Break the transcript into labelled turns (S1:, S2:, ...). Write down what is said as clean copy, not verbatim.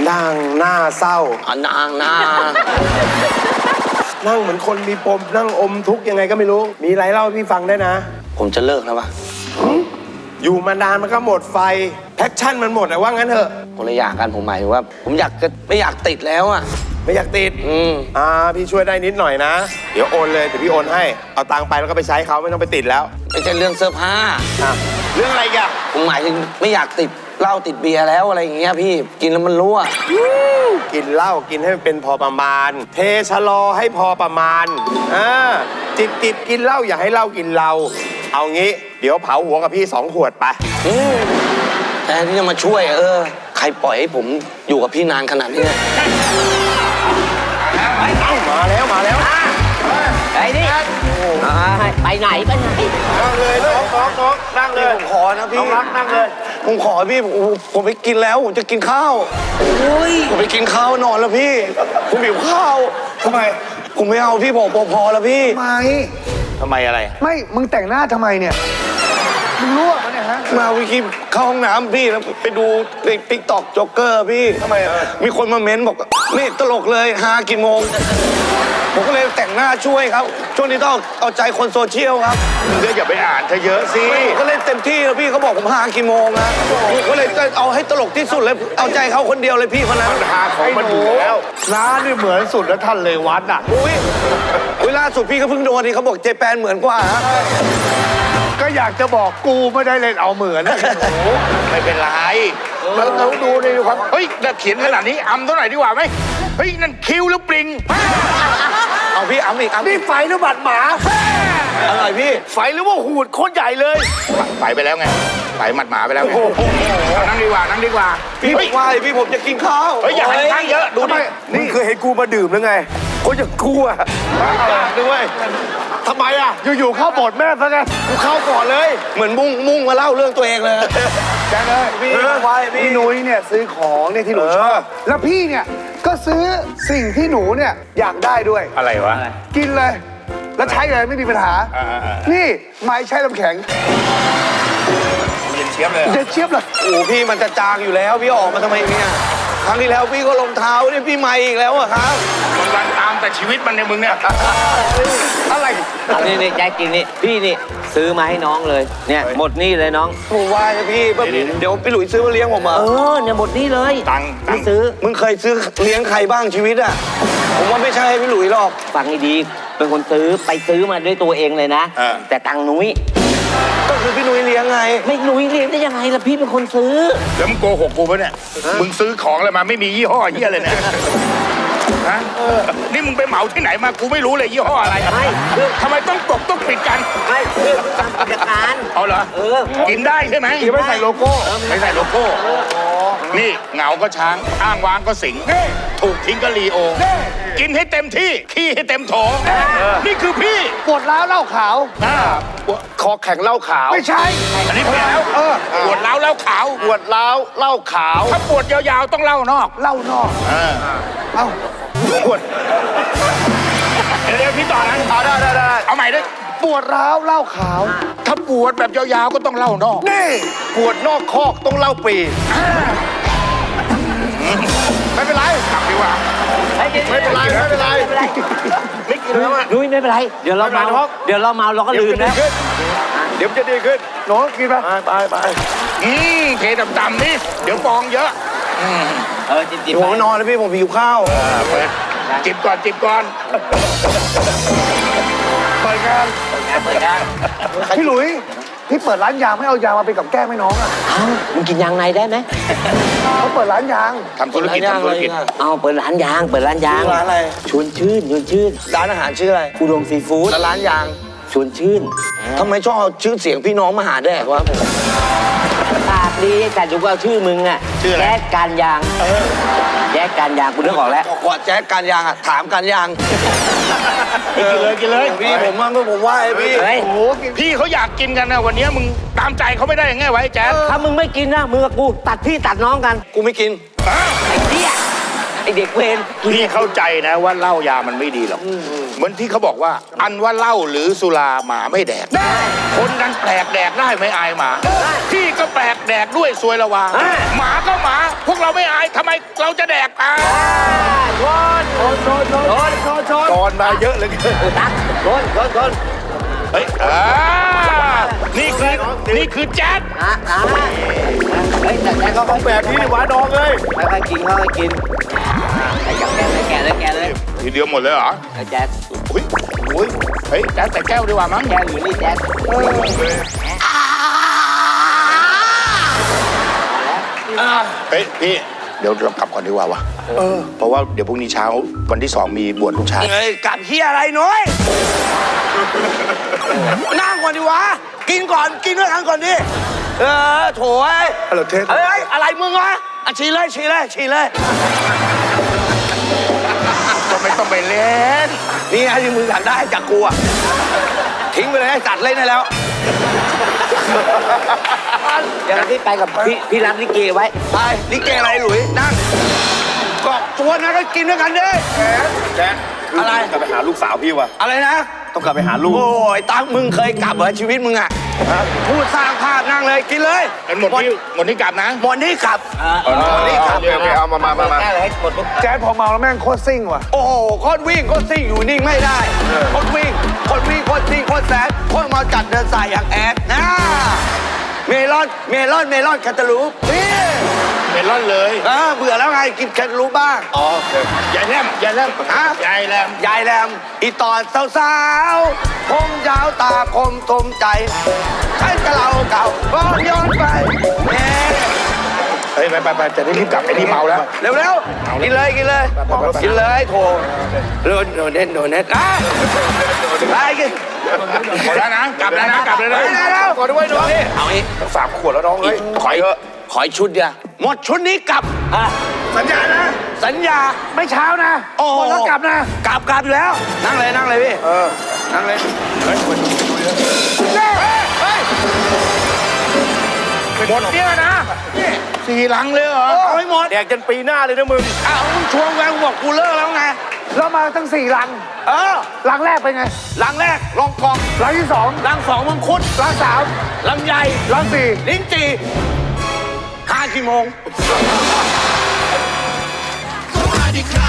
S1: นั่งหน้าเศร้า
S2: นางหน้า
S1: นั่งเหมือนคนมีปมนั่งอมทุกข์ยังไงก็ไม่รู้มีอะไรเล่าให้พี่ฟังได้นะ
S2: ผมจะเลิกแล้ววะ
S1: อยู่มานานมันก็หมดไฟแพชชั่นมันหมดอะว่างั้นเถอะ
S2: คนละอย่างกันผมหมายถึงว่า ผมอยากจะไม่อยากติดแล้วอ่ะ
S1: ไม่อยากติดพี่ช่วยได้นิดหน่อยนะเดี๋ยวโอนเลยเดี๋ยวพี่โอนให้เอาตังค์ไปแล้วก็ไปใช้เขาไม่ต้องไปติดแล้ว
S2: ไม่ใช่เรื่องเสื้อผ้า
S1: เรื่องอะไรกัน
S2: ผมหมายถึงไม่อยากติดเหล้าติดเบียร์แล้วอะไรอย่างเงี้ยพี่กินแล้วมันรั่ว
S1: กินเหล้ากินให้มันเป็นพอประมาณ เทชะลอให้พอประมาณจิบกินเหล้าอย่าให้เหล้ากินเราเอางี้เดี๋ยวเผาหัวกับพี่2 ขวดไป
S2: แทนที่จะมาช่วยใครปล่อยให้ผมอยู่กับพี่นานขนาดนี้เนี่ย
S1: มาแล้ว
S3: ไอ้นี่ไปไหน
S1: นั่งเลยน้องนั่งเลย
S2: ผมขอนะพี่
S1: น้องรักนั่งเลย
S2: ผมขอพี่ผมไปกินแล้วผมจะกินข้าวผมไปกินข้าวนอนแล้วพี่ ผมหิวข้าวทำไมผมไม่เอาพี่บอกพอแล้วพี่
S1: ทำไมอะไร
S4: ไม่ มึงแต่งหน้าทำไมเนี่ย มึงรั่วมันเนี่ยฮะ
S2: มาวิคิเข้าห้องน้ำพี่แล้วไปดูติ๊กต็อกจ็อกเกอร์พี่ทำไมมีคนมาเม้นบอกนี่ตลกเลยหากี่โมงผมก็เลยแต่งหน้าช่วยครับช่วงนี้ต้องเอาใจคนโซเชียลครับ
S1: มึงก็อย่าไปอ่านเธอเยอะสิ
S2: ผมก็เล่นเต็มที่แล้วพี่เขาบอกผมหากี่โมงนะผมก็เลยเอาให้ตลกที่สุดเลยเอาใจเขาคนเดียวเลยพี่คนนั้น
S1: หาของมันอยู่แล้ว
S4: น้านี่เหมือนสุดแล้วท่านเลยวัดอ่ะ
S2: อุ้ยเวลาสุดพี่ก็เพิ่งโดนนี่เขาบอกเจแปนเหมือนกว่าฮะ
S4: ก็อยากจะบอกกูไม่ได้เล่นเอาเหมือนนะ
S1: ไม่เป็นไรเราดูในความเฮ้ยน่าเขียนขนาดนี้อำเท่าไหร่ดีกว่าไหมเฮ้ยนั่นคิ้วหรือปริง
S2: เอาพี่อ้ำอีก
S4: นี่ไฟหรือบัดหมา
S2: อร่อยพี่
S1: ไฟหรือว่าหูดโคตรใหญ่เลยไฟไปแล้วไงไฟหมัดหมาไปแล้วไงนั่งดีกว่านั่งดีกว่า
S2: พี่บอกว่าพี่ผมจะกินข้าว
S1: เฮ้ยอย่าให้ข้างเยอะดูดิมึงเคยเห็นกูมาดื่มหรือไงคนอย่างกูอะด้วยทำไมอะ
S4: อยู่ๆเข้าโบทแม่ซะงั้น
S1: กูเข้าก่อนเลย
S2: เหมือนมุ่งมาเล่าเรื่องตัวเองเลย
S4: แจ้งเลยพี่นุ้ยเนี่ยซื้อของเนี่ยที่หนูชอบ แล้วพี่เนี่ยก็ซื้อสิ่งที่หนูเนี่ยอยากได้ด้วย
S1: อะไรวะ
S4: กินเลย แล้วใช้เลยไม่มีปัญหา นี่ไม้ใช้ลำแข็ง
S1: เย็นเชียบเลย
S4: เด็ดเชียบเลย
S2: โอ้พี่มันจะจางอยู่แล้วพี่ออกมาทำไมเนี่ยครั้งที่แล้วพี่ก็รองเท้านี่พี่ใหม่อีกแล้วอะครับ
S1: วันตามแต่ชีวิตมันในมึงเนี่ย
S4: อะไร
S3: นี่แจ็คกินนี่พี่นี่ซื้อมาให้น้องเลยเนี่ยหมดนี่เลยน้อง
S2: ผมว่านะพี่เดี๋ยวพี่หลุยซื้อมาเลี้ยงผมมา
S3: เนี่ยหมดนี่เลย
S1: ตังค์
S3: ไม่ซื้อ
S2: มึงเคยซื้อเลี้ยงใครบ้างชีวิตอะผมว่าไม่ใช่พี่หลุยหรอก
S3: ฟังให้ดีเป็นคนซื้อไปซื้อมาด้วยตัวเองเลยนะ แต่ตังค์นุ้ย
S2: ก็คือพี่หลุยเลี้ยงไง
S3: ไม่นุ้ยเลี้ยงได้ยังไงล่ะพี่เป็นคนซื้อ
S1: แล้วมึงโกหกกูปะเนี่ยมึงซื้อของอะไรมาไม่มียี่ห้อเหี้ยเลยเนี่ยฮะนี่มึงไปเหมาที่ไหนมากูไม่รู้เลยยี่ห้ออะไร
S3: ไม่
S1: ทำไมต้องปกต้องปิดกัน
S3: ไม่เพื่อการจัดการ
S1: เอาเหรอกินได้ใช่ไหม
S4: ไม่ใส่โลโก้
S1: ไม่ใส่โลโก้นี่เหงาก็ช้างอ้างว้างก็สิงถูกทิ้งก็ลีโอกินให้เต็มที่ขี้ให้เต็มโถนี่คือพี่
S4: ปวดร้าวเหล้าขาว
S1: คอแข็งเหล้าขาว
S4: ไม่ใช่
S1: อันนี้เปลี่ยนแล้วปวดร้าวเหล้าขาวปวดร้าวเหล้าขาวถ้าปวดยาวๆต้องเหล้านอก
S4: เหล้านอก เอ้า
S1: ปวดเดี๋ยวพี่ต่อนะได้เอาใหม่ด้วย
S4: ปวดร้าวเหล้าขาว
S1: ถ้าปวดแบบยาวๆก็ต้องเหล้านอก
S4: นี่
S1: ปวดนอกคอกต้องเหล้าปีไม่เป็นไรกลับดีกว่าไม่เป็นไรไม่เป็นไรไม่กินแล้วอ่ะ
S3: นุ้ยไม่เป็นไรเดี๋ยวเราเมาเราก็ลืมแล้ว
S1: เดี๋ยวจะดีขึ้น
S4: หนูกินไหม
S1: ไปเทดำๆนี่เดี๋ยวฟองเยอะ
S3: จิบ
S2: ผมนอนแล้วพี่ผมหิวข้าว
S1: เปิดจิบก่อน
S4: เปิดงาน
S3: เปิดงาน
S4: พี่หลุยพี่เปิดร้านยางไม่เอายางมาเป็นกับแก้มให้น้องอ่ะ
S3: เอ้ามึงกินยางในได้ไหม
S4: เขาเปิดร้านยาง
S1: ทำธุรกิจ
S3: เอาเปิดร้านยาง
S2: ร้านอะไร
S3: ชวนชื่น
S2: ร้านอาหารชื่ออะไร
S3: อุดมซีฟู้ด
S2: แล้วร้านยาง
S3: ชวนชื่น
S2: ทำไมชอบเอาชื่อเสียงพี่น้องมาหาแดกวะ
S3: ปากดีแต่ดูเอาชื่อมึงอะแจ๊กการยางแจ๊กการยางกูนึกออกแล้ว
S2: กว่าแจ๊กการยางอะถามการยาง
S1: กินเลย
S2: พี่ผมว่าไอ้พี่
S3: เฮ้ย
S1: พี่เขาอยากกินกันนะวันนี้มึงตามใจเขาไม่ได้ยังไงวะไอ้แจ๊ด
S3: ถ้ามึงไม่กินนะมึงกับกูตัดพี่ตัดน้องกัน
S2: กูไม่กิน
S3: ไอ้เหี้ยอเด็กเวร
S5: พี่เข้าใจนะว่าเหล้ายามันไม่ดีหรอกเหมือนที่เขาบอกว่า อันว่าเหล้าหรือสุราหมาไม่แดกคนกันแปลกแดกได้ไม่อายหมาพี่ก็แปลกแดกด้วยซวยละวาหมาก็หมา พวกเราไม่อายทำไมเราจะแดกอ่ะ
S1: ตอนมาเยอะเหลย
S3: ตักชน
S5: เฮ้ยนี่คือแจ๊ด
S3: เฮ้ยแต่ก็ค่อย
S1: แบบนี้หวานดองเลย
S3: ค่อยๆกินค่อยๆกินไอ้จับแกะเลย
S5: ทีเดียวหมดเลยเหรอ
S3: ไอ้แจ๊ด
S5: อุ้ยเฮ้ยแจ๊ดแต่แก้วดีกว่ามั้ง
S3: แก้วอยู่นี่แจ๊ด
S5: เฮ้ยพี่เดี๋ยวเรากลับก่อนดีกว่าวะเพราะว่าเดี๋ยวพรุ่งนี้เช้าวันที่ 2มีบวชลูกชาย
S2: เฮ้ยกลับเฮียอะไรน้อยนั่งก่อนดิวะกินก่อนกินด้วยกันก่อนดิโถย
S1: เราเทส
S2: เอ้ยอะไรมึงวะอ่ะฉี่เลย
S5: ก็ไม่ต้องไปเล่น
S2: นี่ไงที่มึงอยากได้จากกูอะทิ้งไปเลยไอ้สัตว์เล่นได้แล้ว
S3: เดี๋ยวพี่ไปกับพี่รับลิเกไว้
S2: ไปลิเกอะไรหลุยนั่งก็ชวนนะก็กินด้วยกันดิ
S1: แจ๊ด
S2: อะไร
S1: กลับไปหาลูกสาวพี่วะ
S2: อะไรนะ
S1: ต้องกลับไปหาลูก
S2: โอ้ยตั๊กมึงเคยกลับเหรอชีวิตมึงอะพูดสร้างภาพนั่งเลยกินเลย
S5: หมดที่กลับนะ
S2: หมดนี่กลับ
S1: นี่ครับเอามา
S3: แก้วเลยให้หมดปุ๊บ
S4: แจ๊ดพอเมาแล้วแม่งโคตรซิ่งว่ะ
S2: โอ้โหโคตรวิ่งโคตรซิ่งอยู่นิ่งไม่ได้โคตรวิ่งโคตรซิ่งโคตรแสบโคตรมาจัดเดินสายอย่างแอดนะเมลอนแคตตาลูปนี่
S5: เมลอนเลย
S2: เบื่อแล้วไงกินแคตตาลูปบ้าง
S5: ยายแรม
S2: ฮะ
S5: ยายแรม
S2: อีตอนสาวๆผมยาวตาคมทมใจใช้กระเราเก่าก็ย้อนไปเอ๊ะ
S5: เฮ้ยไปจะได้รีบกลับไอ้นี่เมาแล้ว
S2: เร็วๆกินเลยกินเลยโถโดนเน็ตไปกิน
S5: หมดแล้วนะ กลับแล้วนะ
S2: ไปแล้ว
S1: ก่อนด้วยน้อง
S2: เอาอีก
S1: 3 ขวดแล้วน้องเฮ้ย
S2: ขออีกชุดเดียวหมดชุดนี้กลับ
S1: สัญญานะ
S2: สัญญา
S4: ไม่เช้านะ
S2: โอ้
S4: หมดแล้วกลับนะ
S2: กลับอยู่แล้ว นั่งเลยพี่นั่งเลย
S5: หมดเนี่ยนะ4 ลังเลยเหรอ
S2: เอาให้หมด
S1: แดกจนปีหน้าเลยนะมึง
S2: อ้าวมึงชวนแวงบอกกูเลิกแล้วไง
S4: แล้วมาตั้ง4 ลัง ลังแรกเป็นไง
S2: ลังแรกลองกอง
S4: ลังที่2
S2: ลังสองมังคุด
S4: ลัง3
S2: ลำไย
S4: ลัง4
S2: ลิ้นจี่5 กี่โมง
S6: Somebody cry.